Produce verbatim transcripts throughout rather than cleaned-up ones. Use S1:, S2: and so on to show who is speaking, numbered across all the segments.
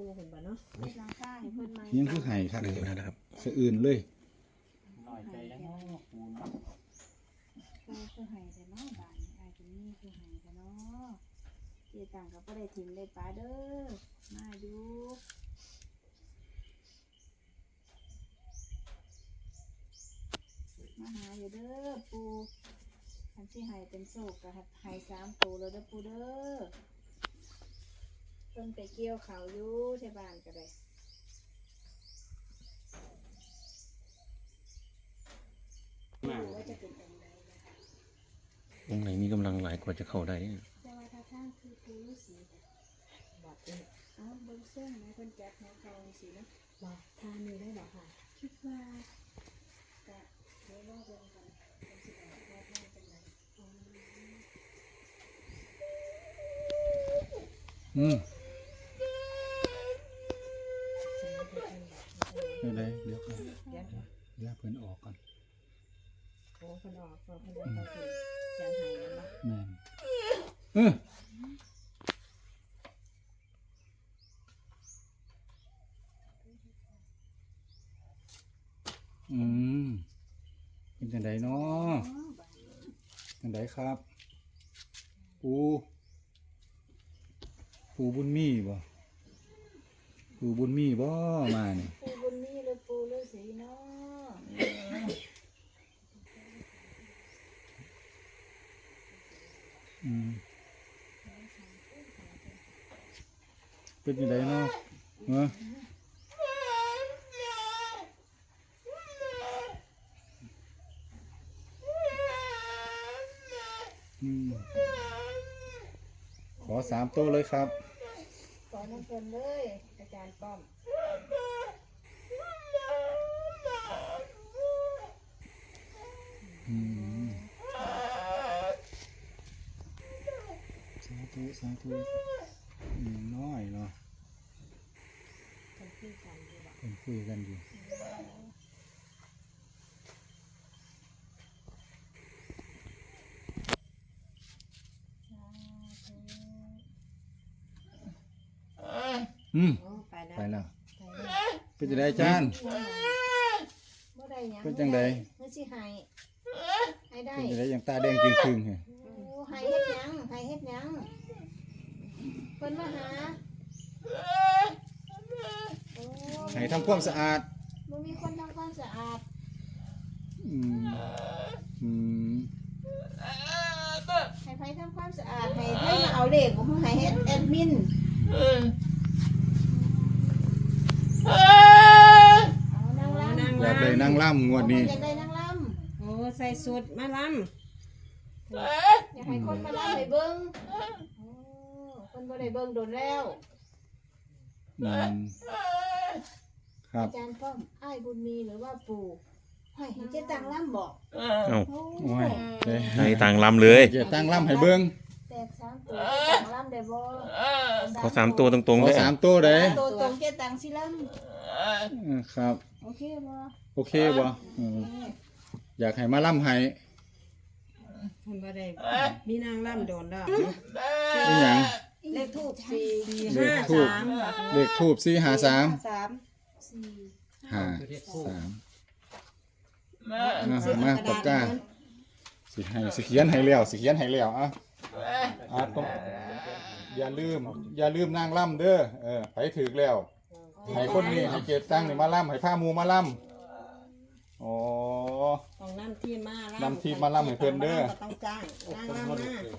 S1: ปูเห็นบ่เนาะหลังคาให้เพิ่นมา
S2: ยังคือไห้ครับ
S3: หนึ่งนะครับ
S2: สะอื่นเลย
S4: น้อยใจแล้วเนาะปูเนาะ
S1: ปูคือให้แต่เนาะบ้านนี้อ้ายก็มีคือให้แต่เนาะเจ๊ตังก็บ่ได้ถิ่มได้ปลาเด้อมาอยู่มาหาอยู่เด้อปูคันสิให้เป็นโศกก็ให้สามตัวแล้วเด้อปูเด้อเพิ่นไปเกี่ยวเขาวอยู่ที่บ้านก็ได้ว่าจะเป็นยังไงนะคะ
S3: องค์ไหนมีกำลังหลายกว่าจะเข้าได้เนี่ย
S1: แต่ว่าถ้าทางคือปูฤาษีบอกเอ้เอาเบิ่งเส้นนะเพิ่นจัดให้เขาสินะบอกทางนี้ได้บ่ค่ะคิดว่าก็เดี๋ยวรอเบิ่งกันเพิ่นสิบอกว่าทางเป็นไงอ๋อ
S2: อืมเดี๋ยวได้เดี๋ยวก่อน
S1: เดี๋ยว
S2: เดี๋ยวเพิ่นออกก่อน
S1: โอ้เพิ่นออกเพิ่นเพิ่นเอาสิเขียนให้แล้วบ่
S2: แม่นเอออืมเป็นจังไดเนาะ
S1: อ๋อบัดนี้
S2: จังไดครับ ปูปูบุญมีบ่ปูบุญมีบ่มานี่
S1: ปูบุญมีหรือปูฤาษีเนาะ
S2: อืมเป็นจังไดเนาะเอออืมขอสามตัวเลยครับ
S1: ขอน้ำเพิ่นเลยอาจารย์ป้อม
S2: อืมสาธุสาธุอย่างน้อยเนาะ
S1: เพิ่นคุยกันอยู่บ่
S2: เป็นคุยกันอยู่อืม
S1: โอ้ไปแล้ว
S2: ไปแล้ว
S1: ไปแล้ว
S2: เป็นจังไดอาจารย์
S1: บ่ได้หยัง
S2: เป็นจังใด
S1: เมื่อสิให้ให้ได้
S2: เป็นจังไดอย่างตาแดงจริงครึ่งๆเหรอ
S1: โอ้ให้เฮ็ดหยังให้เฮ็ดหยังเพิ่นมาหาโอ้
S2: ให้ทำความสะอาด
S1: บ่มีคนทำความสะอาด
S2: อืมอืม
S1: ให้ไผทำความสะอาดให้ไผมาเอาเลขของให้เฮ็ดแอดมินเอานางรำ
S2: อยากได้นางล่ำงวดนี้
S1: อยากได้นางรำ
S5: โอ้ใส่สุดมาล้
S1: อยากให้คนมาลำให้เบิ้งโอ้คนบ่ได้เบิ้งโดนแล้ว
S2: อืมครับ
S1: อาจารย์ป้อมอ้ายบุญมีหรือว่าปู่ให้ให้เจ๊ตังล่ำบอก
S3: เอ้า
S1: โอ้
S2: โอ้ยเด้
S3: ให้ต่างลำเลย
S2: เดี๋ยวตั้งล่ำให้เบิ่ง
S1: แตกสามตัวเจ๊ตังล่ำได้บ่
S3: ขอสามตัวตรง
S2: ข
S3: ๆ
S2: อ
S3: เลย
S2: สามตัวเด้
S1: ตัวตรงเจ๊ตังสิล่
S2: อืมครับ
S1: ำโอเคบ่
S2: โอเคบ่อืมอยากให้มาล่ำให้
S5: ำมันบ่ได้มีนางล่ำโดนแล้ว
S2: อีหยัง
S1: เลขทูบสี่
S5: สี่
S2: เล
S5: ห้า
S2: ขทูบ
S5: สาม
S2: เลขทูบสี่ห้าสาม
S5: สาม
S1: สี่
S2: ห้าสาม
S5: เอา
S2: อ่ะ
S5: เสื้อ
S2: มา
S5: ระ
S2: ปาก
S5: ดาษ
S2: กาสิให้สิเขียนให้แล้วสิเขียนให้แล้วอ่ะอ่ะต้องอย่าลืม อย่าลืมนางล่ำเด้อเออไปถึกแล้วให้คนนี้ให้เกตตั้งนี่มาล่ำให้ผ้ามูมาล่ำอ๋อ
S5: ต้องนำทีมมาล่ำ
S2: นำทีมมาล่ำให้เพิ่นเด้อ
S5: ก็ต้องจ้างนางล่ำมา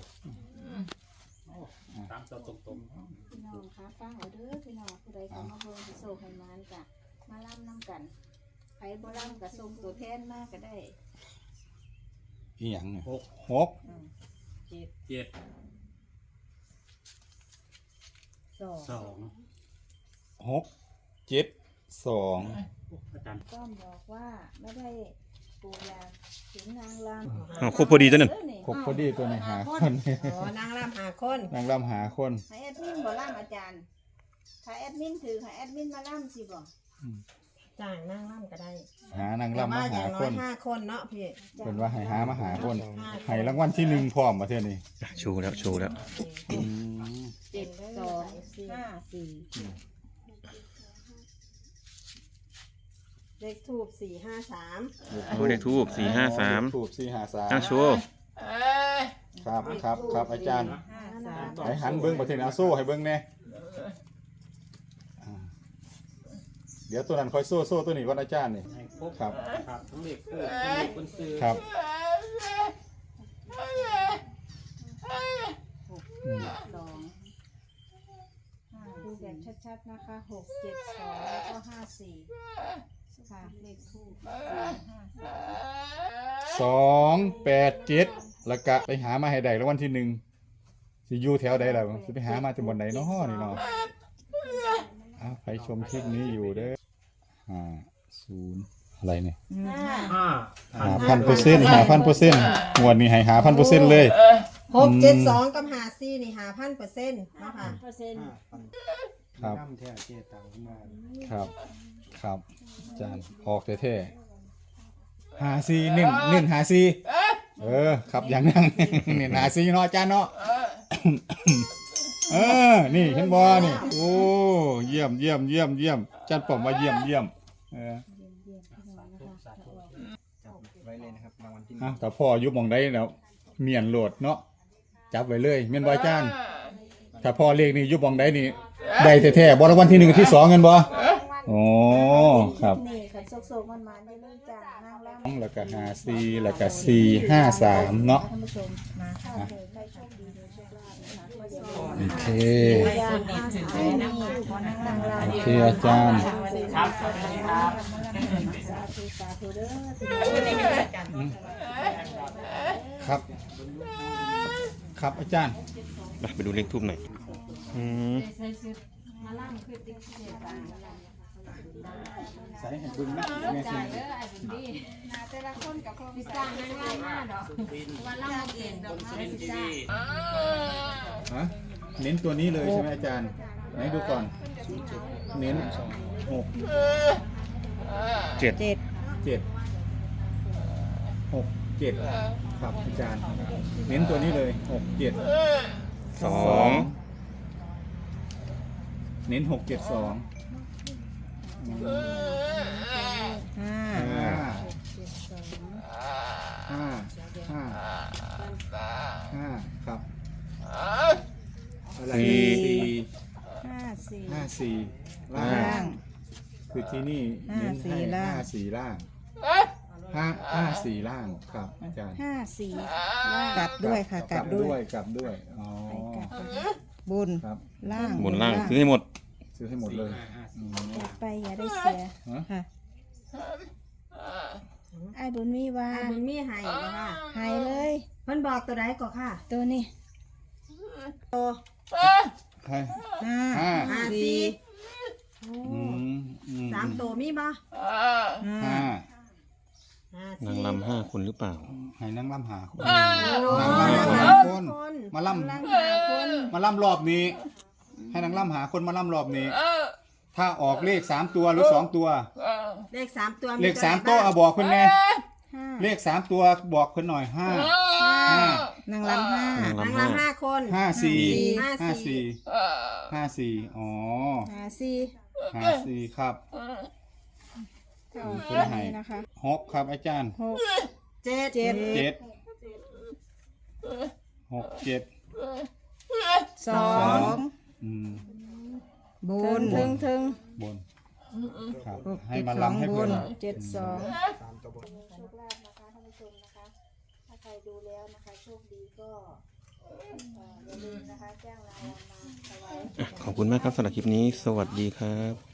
S4: ตามตัวตรง
S1: พี่น้องคะฟังเอาเด้อพี่น้องผู้ใดเข้ามาเบิ่งสิโซให้มานจ้ะมาล่ำนํกันใครบ่ล่ำก็ส่งตัวแทนมาก็ได้
S2: อีหยังเนี่ย
S4: ๆหก
S2: หก
S4: เจ็ด
S5: สอง
S4: สอง
S2: หกเจ็ดสอง
S4: อาจารย์
S1: ก็บอกว่าไม่ได้ปูยาถึงนางร
S3: อ้าวครบพอดีตัวนั้น
S2: ครบพอดีตัวนี้หาคน
S5: อ๋อนางล่ำหาคน
S2: นางล่ำหาคน
S1: ให้แอดมินบ่ล่ำอาจารย์ ถ้าแอดมินถือให้แอดมินมาล่ำสิบ่
S5: จ้างนางล่ำก็ได้
S2: หานาง
S5: แต่
S2: ล่ำ
S5: ว่า
S2: มา
S5: อ
S2: หา
S5: ย่าง
S2: ค
S5: น้อย
S2: น
S5: ห้าคนเนาะพี่
S2: เป็นว่าให้หามาหาคนให้รางวัลที่หนึ่งพร้อมประเทศนี้
S3: ชูแล้วชูแล้ว
S1: เจ็ดสองห้าสี่
S5: เลขทูบสี่ห้าสาม
S3: โอ้เลขทูบสี่ห้าสาม
S2: ถูกสี่ห้าสาม
S3: อ้างโชว์
S2: ครับครับครับอาจารย์
S5: ห้าสาม
S2: ให้หันเบิ้งประเทศอาโซ่ให้เบิ้งแน่อ่าเดี๋ยวตัวนั้นคอยโซ่โซ่ตัวนี้ก่อนอาจารย์นี่
S4: ให้ครบ
S2: ครับ
S4: ครับทั้งเด็กคู่ทั้งเด็กคนซื้อ
S2: ครับ
S1: สองดูแบบชัดๆนะคะหกเจ็ดสองแล้วก็ห้าสี่ค่ะเลขทูบห้าสาม
S2: สองแปดเจ็ดแล้วก็ไปหามาให้ได้แล้ววันที่หนึ่งสิอยู่แถวใดล่ะสิไปหามาจากบนไหนเนาะนี่เนาะอ้าวใครชมคลิปนี้อยู่เด้อห้าศูนย์อะไรเนี่ย
S4: ห้า
S2: หาพันเปอร์เซ็นต์หาพันเปอร์เซ็นต์งวดนี้ให้หาพันเปอร์เซ็นต์เลย
S5: หกเจ็ดสองกับหาซี่นี่หาพันเปอร์เซ็นต์เนาะค่ะ
S1: เปอร์เซ็นต์
S2: ครับ
S6: น้ำแท้เจตังขึ้นมา
S2: ครับครับอาจารย์ออกเท่ๆหาซีเน้นเน้นหาซีเออครับอย่างนั้น เน้นหาซีเนาะอาจารย์เนาะ เออนี่เห็นบ่นี่โอ้เยี่ยมเยี่ยมเยี่ยมเยี่ยมอาจารย์ป๋อมว่าเยี่ยมเยี่ยมเออ
S6: จับไว้เลยนะครับรางวัลที่หนึ่
S2: อ่ะ
S6: ง
S2: แต่พ่ออยู่หมองใดแล้วเมียนโหลดเนาะจับไว้เลยแม่นบ่อาจารย์ถ้าพ่อเลขนี่อยู่หมองใดนี่ได้แท้ๆบ่รางวัลที่หนึ่งที่สองเงินบ่อ๋อครับ
S1: นี่ค่ะโซกๆมันๆได้เลยจ้านางรำ
S2: แล้วก็ห้าสี่แล้วก็สี่ห้าสามเนาะ
S1: ท่านผู้ชมมาถ้าเกิดใครโชคดีโดยโชคลาภนะคะก็อย่าลืม
S2: โอเค
S1: ยาห้าสามนี่ขอนางรำลา
S2: โอเคอาจารย์
S4: ครับสวัสดีครับ
S1: สาธุสาธุเด้อ
S2: ครับ ครับอาจารย์
S3: ไปไปดูเลขทูบหน่อยอืม
S1: มาล่ำคือติ๊กเสียตังค์
S2: ใส่ให้บึงนะแม่สิ
S1: นาแต่ละคนกับคนพิซซ่านั่งไล่มาดอกวันล่ำเก่งดอกไม้พิซซ่า
S2: ฮะเน้นตัวนี้เลยใช่ไหมอาจารย์ไหนดูก่อน เน้นหก
S3: เจ็ด
S5: เจ็ด
S2: เจ็ดหกเจ็ดครับอาจารย์ เน้นตัวนี้เลยหกเจ็ด
S3: สอง
S2: เน้นหกเจ็ดสอง
S5: ห้า
S2: ห้าห้าห้าห้าครับอะไรสี่
S5: ห้าสี่
S2: ห้าสี่ล่า
S5: ล่าง ง
S2: คือที่นี่เน้นให้
S5: ห้า
S2: ห้า
S5: สี่
S2: สี่
S5: ล่าง
S2: ล่างห้าห้าสี่ล่างครับอาจารย์
S5: ห้าสี่กลับด้วยค่ะกลับด้วย
S2: กลับด้วยอ๋อ
S5: บน
S2: ครับ
S5: ล่าง
S3: บนล่างซื้อให้หมด
S2: ซื้อให้หมดเลยอืม
S5: กลับไปอย่าได้เสีย
S2: ฮะ
S5: ค่ะไอ้บุญมีว่า
S1: ไอ้บุญมีให้นะคะ
S5: หายเลย
S1: เพิ่นบอกตัวใดก่อนค่ะ
S5: ตัวนี้
S2: ใคร
S5: ห้า
S2: ห้า
S1: ห้าสี่
S2: อืมอืม
S1: สามตัวมีบ่
S5: ห้า
S2: ห้า
S1: ห้า
S3: นา
S1: สี่
S3: งรำห้าคนหรือเปล่า
S2: ให้นั่งล่ำหาคน
S1: โอ้
S2: นั่ง
S1: ย
S2: ล่ำหา
S1: หา
S2: ค
S1: คน น
S2: มาล่
S1: นั่งหาคน
S2: ำมาล่ำรอบนี้ ให้นั่งล่ำหาคนมาล่ำรอบนี้ ถ้าออกเลขสามตัวหรือสองตัว
S1: เลขสามตัว
S2: เลขสามตัวเอาบอกคนแน่
S5: ห้า
S2: เลขสามตัวบอกคนหน่อยห้าห้าน
S5: างลำห้า
S3: นาง
S1: นั่ง
S3: รำห้า
S1: รำห้าคน
S2: ห้าสี่
S1: ห้า
S2: ห้า
S1: สี่
S2: สี่ห้าสี่อ๋อ
S5: หาสี่
S2: ห้าสี่ครับ
S5: ก็เอา
S2: เพิ่
S5: แค่
S2: นให้
S5: นี้นะคะ
S2: หกครับอาจารย์
S5: หก
S1: เจ็ด
S5: เจ็ด
S2: เจ็ดหกเจ็ด
S5: สอง
S2: อืม
S5: บนถึงถึง
S2: บนครับ
S5: หก
S2: ให้
S5: เจ็ด
S2: มา
S5: สอง
S2: ลำให้
S5: บ
S2: เพื่อน
S5: นเจ็ดสอง
S6: สามตัวบน
S1: โชคลาภนะคะท่านผู้ชมนะคะ ถ้าใครดูแล้วนะคะ โชคดีก็เอ่ออย่าลืมนะคะแจ้งรางวัลมาถวาย
S3: ขอบคุณมากครับสำหรับคลิปนี้ สวัสดีครับ